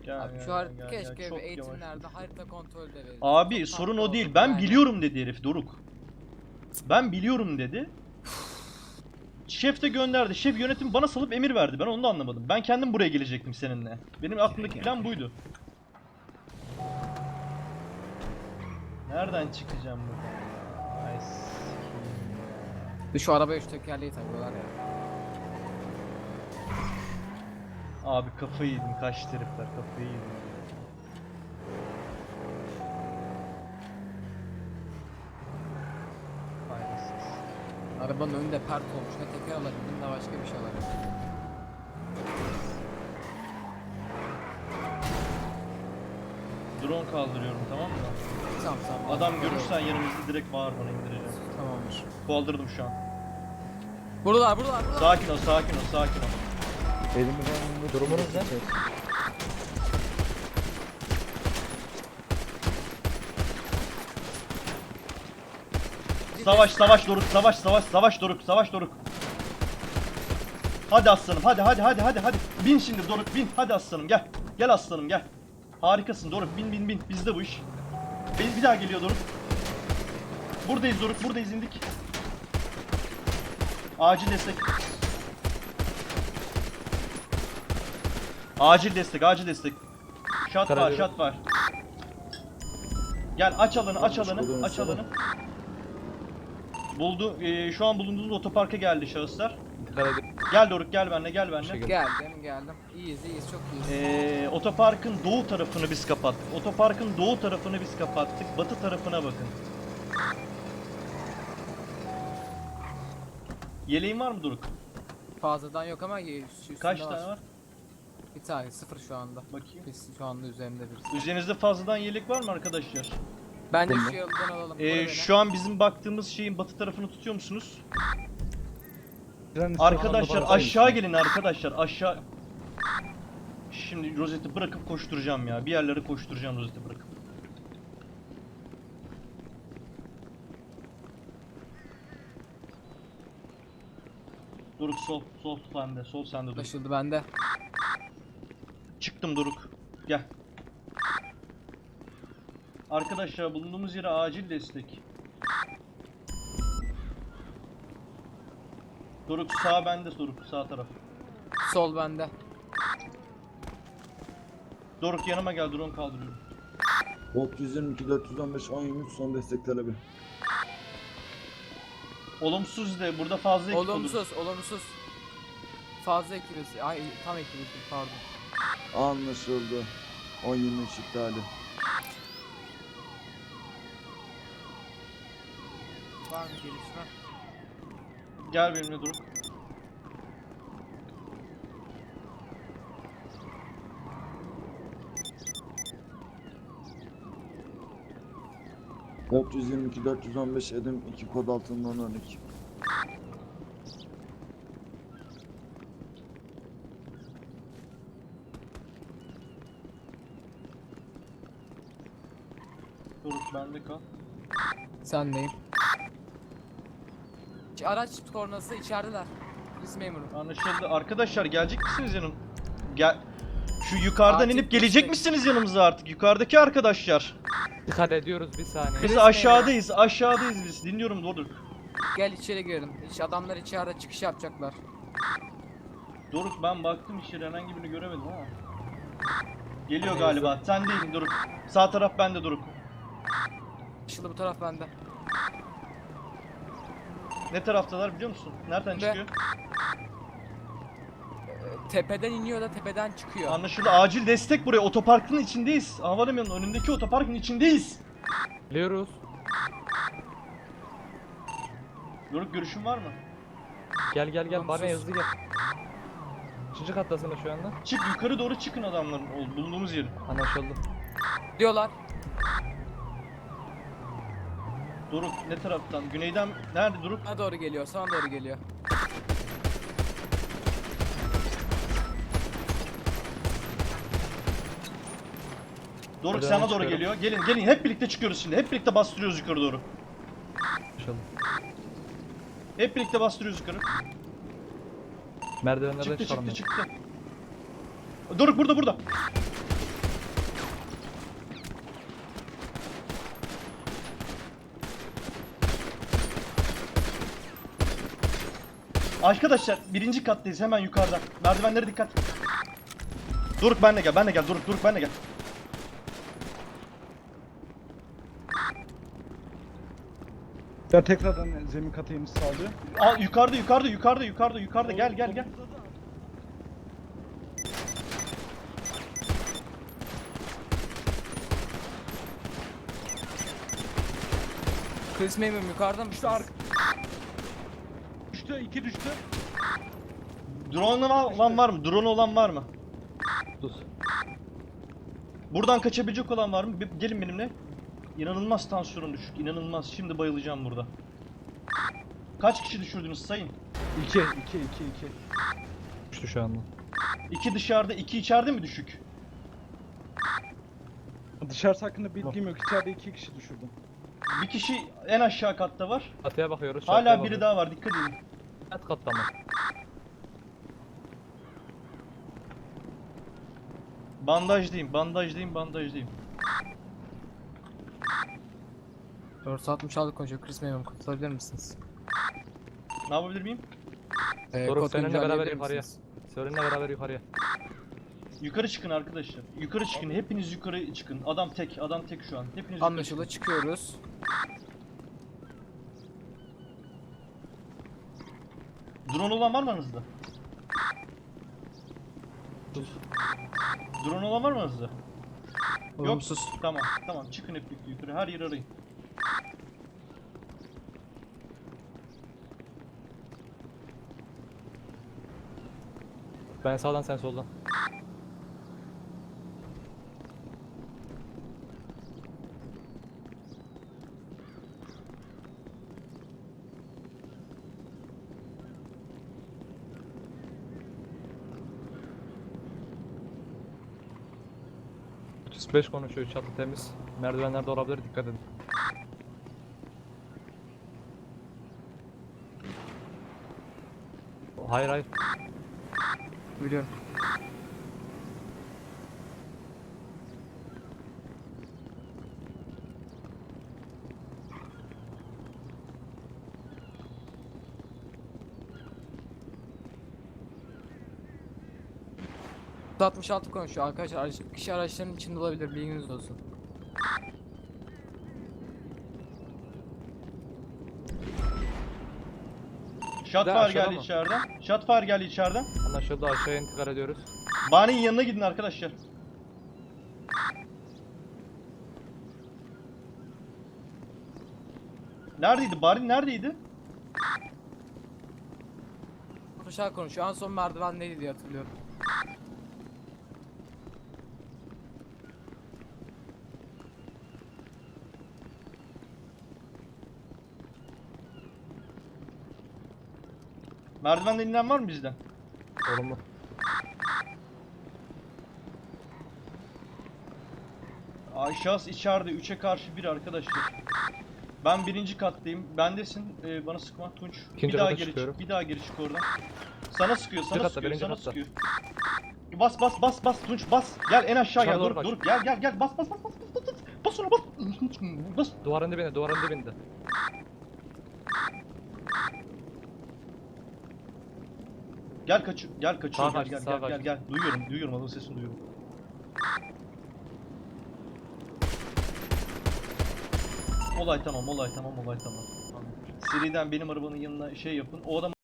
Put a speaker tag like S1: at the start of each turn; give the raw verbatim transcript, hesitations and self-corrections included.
S1: Gel,
S2: Abi
S1: gel,
S2: şu harita
S1: gel, gel.
S2: keşke
S1: Çok
S2: bir eğitimlerde
S1: yavaş.
S2: harita kontrolü de verir.
S1: Abi
S2: Çok
S1: sorun
S2: tatlı
S1: o değil.
S2: olur
S1: Ben
S2: yani.
S1: biliyorum dedi herif Doruk. Ben biliyorum dedi. Şef de gönderdi. Şef yönetim bana salıp emir verdi. Ben onu da anlamadım. Ben kendim buraya gelecektim seninle. Benim aklımdaki plan buydu. Nereden çıkacağım buradan? Ay sikeyim ya.
S2: Bir şu arabaya üç tekerleği takıyorlar ya.
S1: Abi kafayı yedim. Kaçtı herifler. Kafayı yedim. Faydasız.
S2: Arabanın önünde pert olmuş. Ne teker alabildim ne başka bir şey alabildim.
S1: Drone kaldırıyorum, tamam mı?
S2: Tamam tamam.
S1: Adam görürsen yanımızda direkt bağır, bana indireceğim.
S2: Tamamdır.
S1: Kaldırdım şu an.
S2: Buradalar buradalar buradalar.
S1: Sakin ol, sakin ol, sakin ol.
S3: Elimizden durumunuz ne?
S1: Savaş, savaş Doruk, savaş, savaş, savaş Doruk, savaş Doruk. Hadi aslanım, hadi, hadi, hadi, hadi, hadi. Bin şimdi Doruk, bin. Hadi aslanım, gel. Gel aslanım, gel. Harikasın Doruk, bin, bin, bin. Bizde bu iş. Bir, bir daha geliyor Doruk. Buradayız Doruk, buradayız, indik. Acil destek. Acil destek, acil destek. Shot var, shot var. Gel aç alanı, aç alanı, aç alanı. Buldu. Ee, şu an bulunduğumuz otoparka geldi şahıslar. Gel Doruk, gel benimle, gel benimle.
S2: Geldim geldim. İyiyiz iyiyiz çok iyiyiz.
S1: Ee, otoparkın doğu tarafını biz kapattık. Otoparkın doğu tarafını biz kapattık. Batı tarafına bakın. Yeleğin var mı Doruk?
S2: Fazladan yok ama üstünde
S1: Kaç tane var?
S2: Bir tane sıfır şu anda.
S1: Bakayım.
S2: Biz şu anda üzerinde birisi.
S1: Üzerinizde fazladan yelek var mı arkadaşlar?
S2: Bence
S3: Bunda.
S2: şu yoldan alalım.
S1: Ee, şu an bizim baktığımız şeyin batı tarafını tutuyor musunuz? Arkadaşlar aşağı gelin arkadaşlar, aşağı. Şimdi rozeti bırakıp koşturacağım ya. Bir yerlere koşturacağım rozeti bırakıp. Doruk sol, sol sende, sol sende Doruk.
S2: Anlaşıldı bende.
S1: Çıktım Doruk. Gel. Arkadaşlar bulunduğumuz yere acil destek. Doruk sağ bende, Doruk sağ taraf.
S2: Sol bende.
S1: Doruk yanıma gel, drone kaldırıyorum.
S3: Volt yüz yirmi iki dört yüz on beş on yirmi üç son destek talebi.
S1: Olumsuz de burada fazla ekip olur.
S2: Olumsuz olumsuz. Fazla ekibiz. Ay tam ekibiz pardon.
S3: Anlaşıldı. on yirmi üç iptali.
S2: Var mı gelişme?
S1: Gel benimle Doruk.
S3: Volt yüz yirmi iki dört yüz on beş Edim iki kod altından örnek.
S1: Doruk bende kal.
S2: Sendeyim. Ç- Araç kornası içerideler. Polis memuru.
S1: Anlaşıldı. Arkadaşlar gelecek misiniz yanım? Gel. Şu yukarıdan
S2: Acil
S1: inip gelecek
S2: destek.
S1: misiniz yanımıza artık? Yukarıdaki arkadaşlar.
S4: Dikkat ediyoruz bir saniye.
S1: Biz
S2: Polis
S1: aşağıdayız. Aşağıdayız biz. Dinliyorum Doruk.
S2: Gel içeri girelim. İç adamlar içeride çıkış yapacaklar.
S1: Doruk ben baktım içeri, herhangi birini göremedim ama. Geliyor
S2: Hani
S1: galiba. Sen değil Doruk. Sağ taraf bende Doruk.
S2: Işılı bu taraf bende.
S1: Ne taraftalar biliyor musun? Nereden
S2: Ne?
S1: çıkıyor?
S2: Ee, tepeden iniyor da tepeden çıkıyor.
S1: Anlaşıldı. Acil destek buraya. Otoparkın içindeyiz. Havalimanının önündeki otoparkın içindeyiz.
S4: Biliyoruz.
S1: Doruk görüşün var mı?
S4: Gel gel gel bana
S2: Olumsuz.
S4: hızlı gel. Kaçıncı kattasın şu anda?
S1: Çık yukarı doğru çıkın adamların ol- bulunduğumuz yerin.
S4: Anlaşıldı.
S2: Diyorlar.
S1: Doruk ne taraftan? Güneyden nerede Doruk?
S2: Sana doğru geliyor. Sana doğru geliyor.
S1: Doruk
S4: Buradan
S1: sana doğru
S4: çıkıyorum.
S1: geliyor. Gelin gelin hep birlikte çıkıyoruz şimdi. Hep birlikte bastırıyoruz yukarı doğru.
S4: Anlaşıldı.
S1: Hep birlikte bastırıyoruz yukarı.
S4: Merdivenlerden
S1: Çıktı
S4: çıkalım.
S1: çıktı çıktı. Doruk burada burada. Arkadaşlar birinci kattayız, hemen yukarıda. Merdivenlere dikkat. Doruk benle gel, benle gel. Doruk, Doruk benle gel.
S5: Ya tekrardan zemin katı iniş sağlıyor.
S1: Aa, yukarıda, yukarıda, yukarıda, yukarıda, yukarıda. Gel, gel, gel.
S2: Chris Memum yukarıda mı?
S5: Düştü ark. Düştü, iki düştü.
S1: Drone olan var mı? Drone olan var mı?
S4: Sus.
S1: Buradan kaçabilecek olan var mı? Bir- Gelin benimle. İnanılmaz tansiyonum düşük. İnanılmaz. Şimdi bayılacağım burada. Kaç kişi düşürdünüz sayın?
S5: İki, iki, iki, iki.
S4: Düştü şu anda.
S1: İki dışarıda, iki içeride mi düşük?
S5: Dışarısı hakkında bilgim yok. İçeride iki kişi düşürdüm.
S1: Bir kişi en aşağı katta var.
S4: Çatıya bakıyoruz.
S1: Hala
S4: çatıya
S1: biri
S4: bakıyoruz.
S1: daha var. Dikkat edin.
S4: Alt katta mı?
S1: Bandajdayım, bandajdayım, bandajdayım.
S2: dört altmış altı konuşuyor. Chris Memum kurtulabilir misiniz?
S1: Ne yapabilir miyim?
S2: Ee,
S4: Doruk,
S2: kod
S4: seninle
S2: güncelleyebilir
S4: beraber yukarıya.
S2: misiniz?
S4: Seninle beraber yukarıya.
S1: Yukarı çıkın arkadaşlar. Yukarı çıkın. Hepiniz yukarı çıkın. Adam tek, adam tek şu an. Hepiniz yukarı
S2: Anlaşıldı, çıkıyoruz.
S1: çıkın. Drone olan var mı aranızda? Drone olan var mı aranızda? Yok.
S2: Olumsuz.
S1: Tamam, tamam. Çıkın hep birlikte yukarı. Her yeri arayın.
S4: Ben sağdan sen soldan. otuz beş konuşuyor, çatı temiz. Merdivenlerde olabilir, dikkat edin. Hayır hayır.
S2: Biliyorum. altmış altı konuşuyor arkadaşlar. Araç, kişi araçların içinde olabilir, bilginiz olsun.
S1: Shotfire
S4: aşağıda
S1: geldi
S4: mı?
S1: içeriden. Shotfire geldi içeriden.
S4: Anlaşıldı, aşağıya intikal ediyoruz.
S1: Bani'nin yanına gidin arkadaşlar. Neredeydi? Bari neredeydi?
S2: Aşağı konuşuyor. En son merdiven neydi diye hatırlıyorum.
S1: Merdivenden inen var mı bizden?
S4: Olumlu.
S1: Ay şahıs içeride. üçe karşı bir arkadaşlar. Ben birinci kattayım. Bendesin. Ee, bana sıkma Tunç.
S4: İkinci
S1: bir daha
S4: kata
S1: geri
S4: çıkıyorum.
S1: çık. Bir daha geri çık oradan. Sana sıkıyor. Sana
S4: katta,
S1: sıkıyor.
S4: birinci
S1: Sana
S4: katta.
S1: sıkıyor. Bas bas bas bas Tunç bas. Gel en aşağı gel.
S4: Aşağı doğru
S1: Dur
S4: kaç.
S1: dur. Gel gel gel. Bas bas bas bas bas bas. Bas ona bas. Bas.
S4: Duvarın dibinde, duvarın dibinde.
S1: Gel kaç. Gel kaçıyor.
S4: Sağa
S1: Gel
S4: kaçtı,
S1: gel
S4: sağa
S1: gel gel
S4: kaçtı.
S1: gel. Duyuyorum. Duyuyorum. Adamın sesini duyuyorum. Olay tamam. Olay tamam. Olay tamam. Seriden benim arabanın yanına şey yapın. O adam